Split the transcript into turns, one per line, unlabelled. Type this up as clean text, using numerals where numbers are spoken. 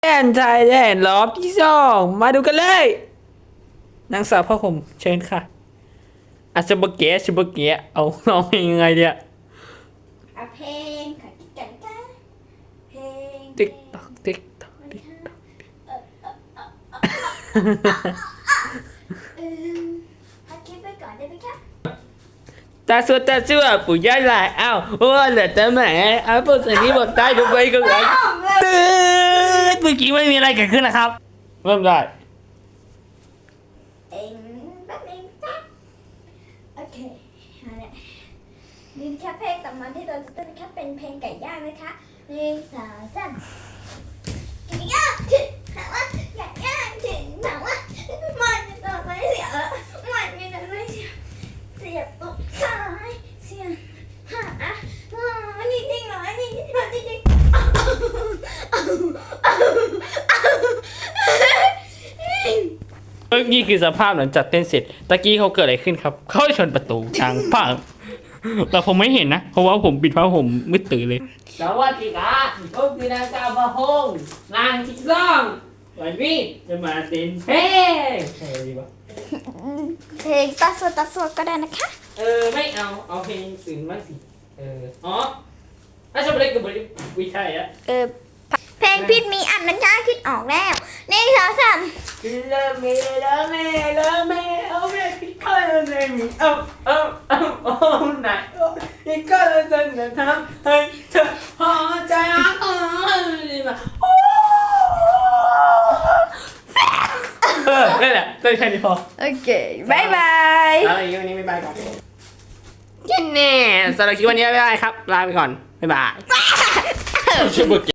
แอนไทยแลนด์รอบที่สองมาดูกันเลยนางสาวพ่อผมเชิญค่ะอาชบเกะชบเกะเอาน้องยังไงเนี่ย
เพลงค่ะกิ๊กกันค่ะเพลง
ติ๊กตอกติ๊กตอกติ๊กตอก
พักคลิปไว้ก่อนได้ไหมคะ
ตาสัวปู่ย่าหลายอ้าวว่าเหลือแต่แหมอ้าวพวกสิ่งนี้บอกได้ทุกใบก็ไงตื่นเมื่อกี้ไม่มีอะไรเกิดขึ้นนะครับเริ่มได้
เองแป๊บนึงจ้ะโอเคเอาละนี่แค่เพลงต่อมาที่เราจะเต้นแค่เป็นเพลงไก่ย่างนะคะ1 2 3ไก่ย่างถึงถามว่าไก่ย่างถึงถามว่ามันจะต่อไปเสียมันจะต่อไปเสียบตกซ้ายเสียบหานี่จริงเหรอนี่จริงเหรอนี่จริง
นี่คือสภาพหลังจากเต้นเสร็จตะกี้เขาเกิดอะไรขึ้นครับเขาชนประตูทางฝั่งแต่ผมไม่เห็นนะเพราะว่าผมปิดผ้าห่มมืดตื่นเลยสวัสดีครับผมคือนางสาวพะฮงนางที่สองวันนี้จะมาเต้นเพลงใช่ดีปะ
เพลงตาสวดก็ได้นะคะ
ไม่เอาเพลงอื่นบ้างสิอ๋อถ้าชอบเล่นกับบริวิชัยอะ
เพลงพิษมีอันนั้นช้าคิดออกแล้ว1 2 3
เลิฟme love me love me oh me พี่ก็เลยมีไหนพี่ก็เลยจะทำให้เธอพอใจดีมานั่นแหละเต้นแค่นี้พอ
โอเคบายบาย
แล้วอีกวันนี้บ๊ายบายก่อนแค่นี้สำหรับคลิปวันนี้บ๊ายบายครับลาไปก่อนบ๊ายบาย